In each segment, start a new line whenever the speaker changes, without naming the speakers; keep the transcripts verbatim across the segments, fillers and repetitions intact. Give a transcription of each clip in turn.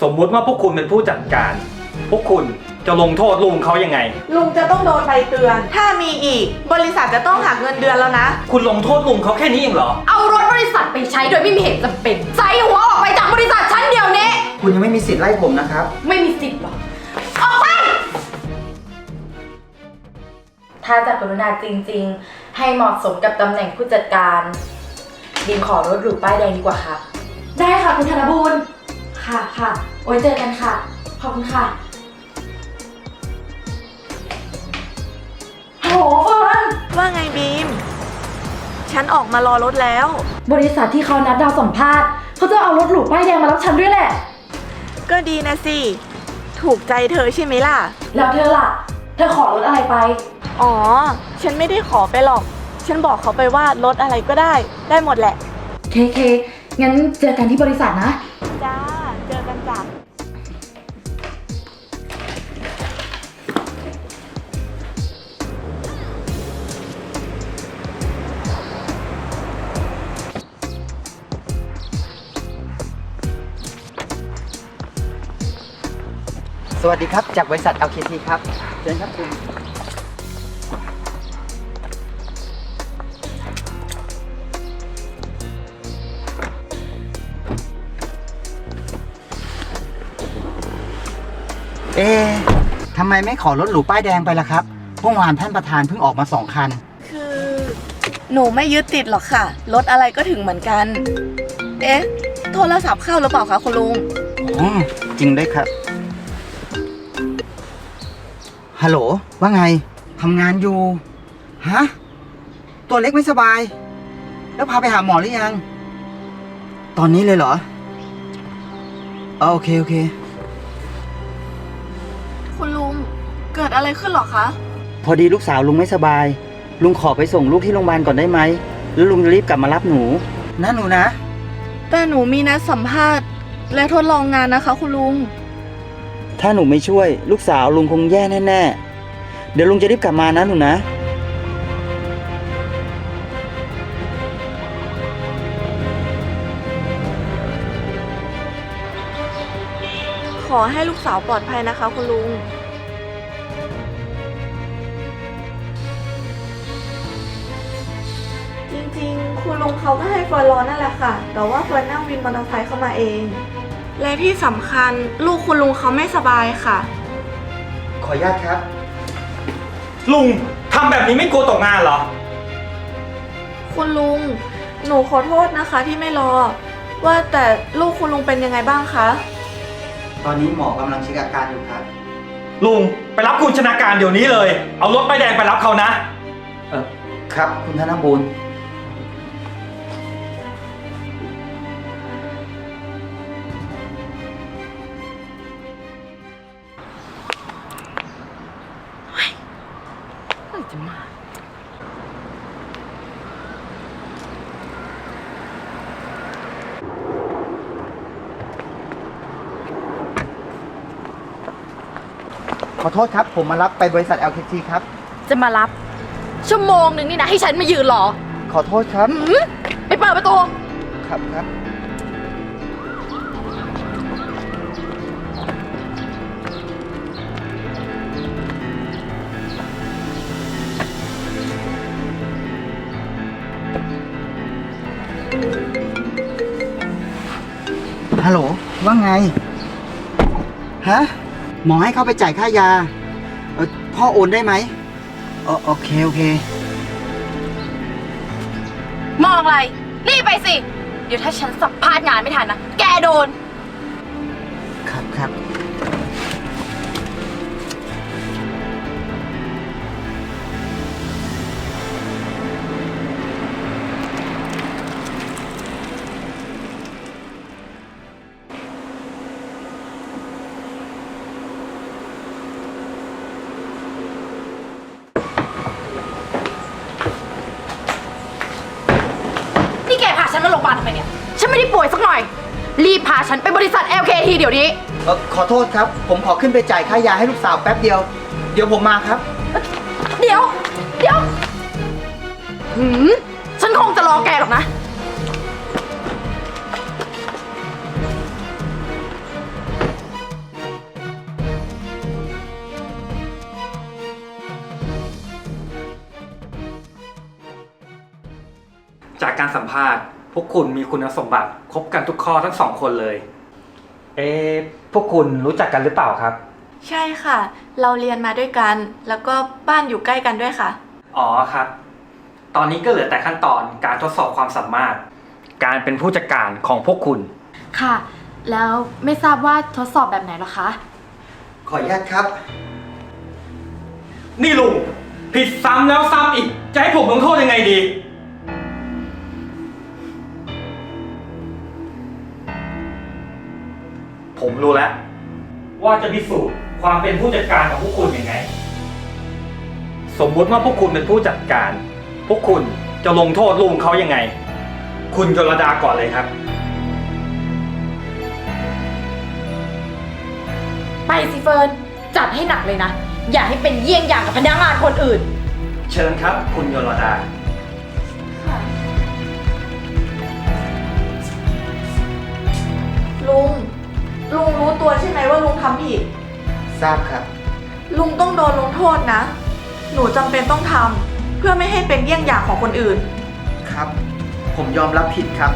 สมมุติว่าพวกคุณเป็นผู้จัดการ พวกคุณจะลงโทษลุงเขายังไง
ลุงจะต้องโดนใบเตือนถ้ามีอีกบริษัทจะต้องหักเงินเดือนแล้วนะ
คุณลงโทษลุงเขาแค่นี้เองเหรอ
เอารถบริษัทไปใช้โดยไม่มีเหตุจำเป็นใส่หัวออกไปจากบริษัทฉันเดี๋ยวนี้
คุณยังไม่มีสิทธิ์ไล่ผมนะครับ
ไม่มีสิทธิ์หรอกออกไปถ้าจะกรุณาจริงๆให้เหมาะสมกับตำแหน่งผู้จัดการบีมขอรถหรูป้ายแดงดีกว่าค่ะได้ค่ะคุณธนบูรณ์ค่ะค่ะไว้เจอกันค่ะขอบคุณค่ะโหเฟิร์น
ว่าไงบีมฉันออกมารอรถแล้ว
บริษัทที่เขานัดดาวสัมภาษณ์เขาจะเอารถหรูป้ายแดงมารับฉันด้วยแหละ
ก็ดีนะสิถูกใจเธอใช่ไหมล่ะ
แล้วเธอล่ะเธอขอรถอะไรไป
อ๋อฉันไม่ได้ขอไปหรอกฉันบอกเขาไปว่ารถอะไรก็ได้ได้หมดแหละ
เคเคงั้นเจอกันที่บริษัทนะ
จ้าเจอกันจ้ะ
สวัสดีครับจากบริษัท แอล เค ที ครับเชิญครับคุณเอ๊ะทำไมไม่ขอรถหรูป้ายแดงไปล่ะครับเมื่อวานท่านประธานเพิ่งออกมาสองคัน
คือหนูไม่ยึดติดหรอกค่ะรถอะไรก็ถึงเหมือนกันเอ๊ะโทรศัพท์เข้าหรือเปล่าคะคุณลุง
อ๋อจริงด้วยครับฮัลโหลว่าไงทำงานอยู่ฮะตัวเล็กไม่สบายแล้วพาไปหาหมอหรือยังตอนนี้เลยเหรอโอเคโอเค
คุณลุงเกิดอะไรขึ้นหรอคะ
พอดีลูกสาวลุงไม่สบายลุงขอไปส่งลูกที่โรงพยาบาลก่อนได้ไหมแล้วลุงจะรีบกลับมารับหนูนะหนูนะ
แต่หนูมีนัดสัมภาษณ์และทดลองงานนะคะคุณลุง
ถ้าหนูไม่ช่วยลูกสาวลุงคงแย่แน่ๆเดี๋ยวลุงจะรีบกลับมานะหนูนะ
ขอให้ลูกสาวปลอดภัยนะคะคุณลุงจริงๆคุณลุงเขาก็ให้เฟิร์นรอนั่นแหละค่ะแต่ว่าเฟิร์นนั่งวินมอเตอร์ไซค์เข้ามาเองและที่สำคัญลูกคุณลุงเขาไม่สบายค่ะ
ขออนุญาตครับ
ลุงทำแบบนี้ไม่กลัวตกงานเหรอ
คุณลุงหนูขอโทษนะคะที่ไม่รอว่าแต่ลูกคุณลุงเป็นยังไงบ้างคะ
ตอนนี้หมอกำลังเช็คอาการอยู่ครับ
ลุงไปรับคุณชนาการเดี๋ยวนี้เลยเอารถป้ายแดงไปรับเขานะ
เออครับคุณธนบูรณ์
จะมา
ขอโทษครับผมมารับไปบริษัท แอล เค ที ครับ
จะมารับชั่วโมงหนึ่งนี่นะให้ฉันมายืนรอ
ขอโทษครับ
ไปเปิดประตู
ครับครับฮัลโหลว่าไงฮะหมอให้เข้าไปจ่ายค่ายาเออพ่อโอนได้ไหมโอโอเคโอเค
มองอะไรรีบไปสิเดี๋ยวถ้าฉันสัมภาษณ์งานไม่ทันนะแกโดน
ครับครับ
ฉันมาโรงพยาบาลทำไมเนี่ยฉันไม่ได้ป่วยสักหน่อยรีบพาฉันไปบริษัท แอล เค ที เดี๋ยวนี้
เออขอโทษครับผมขอขึ้นไปจ่ายค่ายาให้ลูกสาวแป๊บเดียวเดี๋ยวผมมาครับ
เดี๋ยวเดี๋ยวหืมฉันคงจะรอแกหรอกนะ
จากการสัมภาษณ์พวกคุณมีคุณสมบัติครบกันทุกข้อทั้งสองคนเลย เอ๊ะพวกคุณรู้จักกันหรือเปล่าครับ
ใช่ค่ะ เราเรียนมาด้วยกัน แล้วก็บ้านอยู่ใกล้กันด้วยค่ะ
อ๋อครับ ตอนนี้ก็เหลือแต่ขั้นตอนการทดสอบความสามารถ การเป็นผู้จัดการของพวกคุณ
ค่ะ แล้วไม่ทราบว่าทดสอบแบบไหนหรอคะ
ขออนุญาตครับ
นี่ลุงผิดซ้ำแล้วซ้ำอีก จะให้ผมลงโทษยังไงดี ผมรู้แล้ว ว่าจะพิสูจน์ความเป็นผู้จัดการของพวกคุณยังไง สมมุติว่าพวกคุณเป็นผู้จัดการ พวกคุณจะลงโทษลุงเขายังไง คุณยลดาก่อนเลยครับ
ไปสิเฟิร์น จัดให้หนักเลยนะ อย่าให้เป็นเยี่ยงอย่างกับพนักงานคนอื่น
เชิญครับ คุณยลดา
ลุง ลุงรู้ตัวใช่ไหมว่าลุงทำผิด
ทราบครับ
ลุงต้องโดนลงโทษนะ หนูจำเป็นต้องทำเพื่อไม่ให้เป็นเยี่ยงอย่างของคนอื่น
ครับ ผมยอมรับผิดครับ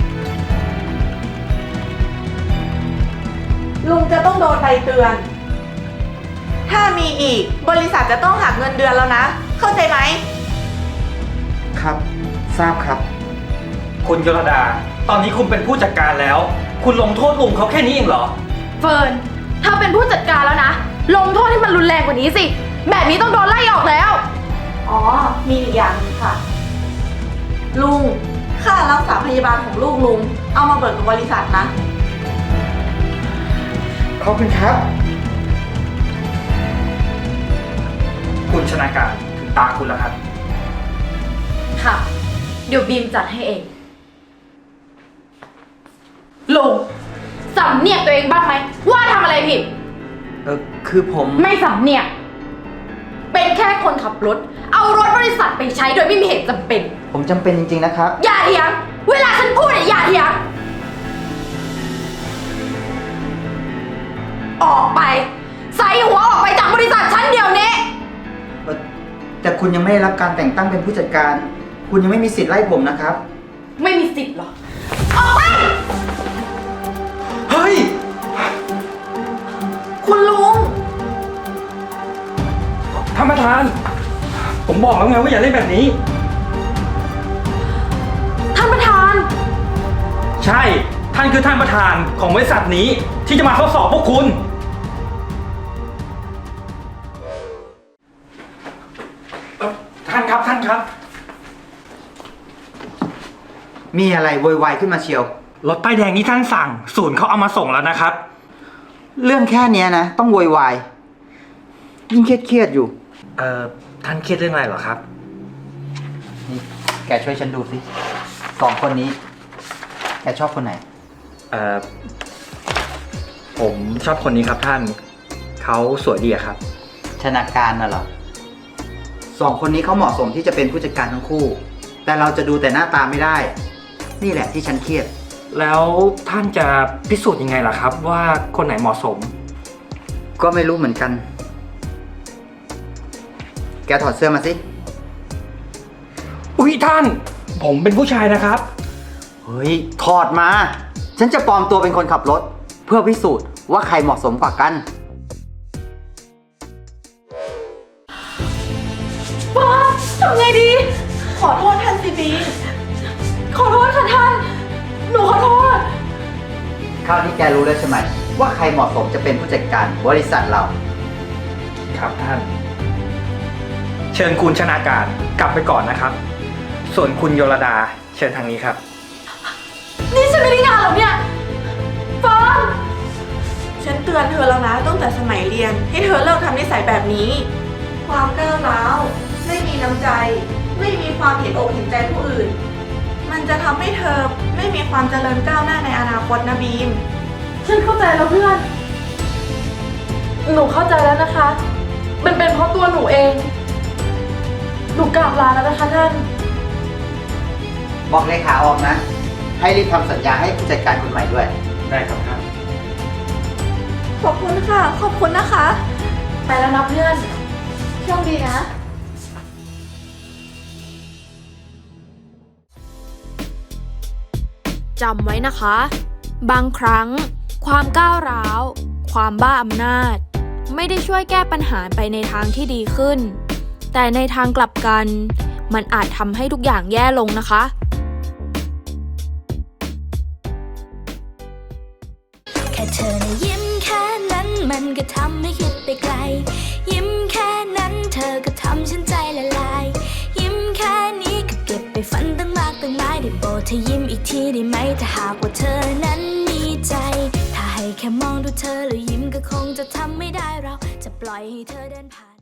ลุงจะต้องโดนใบเตือน ถ้ามีอีกบริษัทจะต้องหักเงินเดือนแล้วนะ เข้าใจไหม
ครับ ทราบครับ
คุณยลดา ตอนนี้คุณเป็นผู้จัดการแล้ว คุณลงโทษลุงเขาแค่นี้เองเหรอ
เฟิร์น ถ้าเป็นผู้จัดการแล้วนะ ลงโทษให้มันรุนแรงกว่านี้สิ แบบนี้ต้องโดนไล่ออกแล้ว
อ๋อ มีอีกอย่างหนึงค่ะ ลุง ค่ารักษาพยาบาลของลูกลุง เอามาเบิกกับบริษัทนะ
ขอบคุณครับ
คุณชนาการถึงตาคุณแล้วครับ
ค่ะ เดี๋ยวบีมจัดให้เองลุงสำเนียกตัวเองบ้างไหมว่าทำอะไรผิด
เออคือผม
ไม่สำเนียก เป็นแค่คนขับรถ เอารถบริษัทไปใช้โดยไม่มีเหตุจำเป็น
ผมจำเป็นจริงๆนะครับ
อย่าเถียง เวลาฉันพูดเนี่ยอย่าเถียง ออกไป ใส่หัวออกไปจากบริษัทฉันเดี๋ยวนี้
เอ่อแต่คุณยังไม่ได้รับการแต่งตั้งเป็นผู้จัดการ คุณยังไม่มีสิทธิ์ไล่ผมนะครับ
ไม่มีสิทธิ์หรอ ออกไป
เฮ้ย
คุณลุง
ท่านประธาน ผมบอกแล้วไงว่าอย่าเล่นแบบนี้
ท่านประธาน
ใช่ ท่านคือท่านประธานของบริษัทนี้ที่จะมาทดสอบพวกคุณ เอ่อท่านครับท่านครับ
มีอะไรโวยวายขึ้นมาเชียว
รถป้ายแดงที่ท่านสั่ง ศูนย์เขาเอามาส่งแล้วนะครับ
เรื่องแค่เนี้ยนะ ต้องโวยวาย ยิ่งเครียดๆอยู่
เอ่อ ท่านเครียดเรื่องอะไรเหรอครับ
นี่แกช่วยฉันดูสิสองคนนี้ แกชอบคนไหน
เอ่อ ผมชอบคนนี้ครับท่าน เขาสวยดีอะครับ
ชนาการน่ะเหรอสองคนนี้เขาเหมาะสมที่จะเป็นผู้จัดการทั้งคู่ แต่เราจะดูแต่หน้าตาไม่ได้ นี่แหละที่ฉันเครียด
แล้วท่านจะพิสูจน์ยังไงล่ะครับ ว่าคนไหนเหมาะสม
ก็ไม่รู้เหมือนกัน แกถอดเสื้อมาสิ
อุ๊ยท่าน ผมเป็นผู้ชายนะครับ
เฮ้ย ถอดมา ฉันจะปลอมตัวเป็นคนขับรถ เพื่อพิสูจน์ว่าใครเหมาะสมกว่ากัน
ป้าทำไงดี
ขอโทษท่านสิบี
ขอโทษค่ะท่าน หนูขอโทษ
คราวนี้แกรู้แล้วใช่ไหมว่าใครเหมาะสมจะเป็นผู้จัดการบริษัทเรา
ครับท่าน เชิญคุณชนาการกลับไปก่อนนะครับ ส่วนคุณโยลดาเชิญทางนี้ครับ
นี่ฉันไม่ได้งานหรอเนี่ยเฟิร์น
ฉันเตือนเธอแล้วนะตั้งแต่สมัยเรียน ให้เธอเลิกทำนิสัยแบบนี้ ความก้าวร้าว ไม่มีน้ำใจ ไม่มีความเห็นอกเห็นใจผู้อื่น มันจะทำให้เธอไม่มีความเจริญก้าวหน้าในอนาคตนะบีม
ฉันเข้าใจแล้วเพื่อน หนูเข้าใจแล้วนะคะ มันเป็นเพราะตัวหนูเอง หนูกราบลาแล้วนะคะท่าน
บอกเลขาออกนะ ให้รีบทำสัญญาให้ผู้จัดการคนใหม่ด้วย
ได้ครับท่าน
ขอบคุณค่ะ ขอบคุณนะคะ
ไปแล้วนะเพื่อน
โชคดีนะ
จำไว้นะคะ บางครั้ง ความก้าวร้าว ความบ้าอำนาจ ไม่ได้ช่วยแก้ปัญหาไปในทางที่ดีขึ้น แต่ในทางกลับกัน มันอาจทำให้ทุกอย่างแย่ลงนะคะ
แค่เธอนะยิ้มแค่นั้นมันก็ทำให้คิดไปไกล ยิ้มแค่นั้นเธอก็ทำฉันใจละลาย ยิ้มแค่นี้ก็เก็บไปฝันตั้งมากตั้งหลายได้โปรดเธอยิ้มอีกทีได้ไหมถ้าหากว่าเธอนั้นมีใจ ถ้าให้แค่มองดูเธอแล้วยิ้มก็คงจะทำไม่ได้เราจะปล่อยให้เธอเดินผ่าน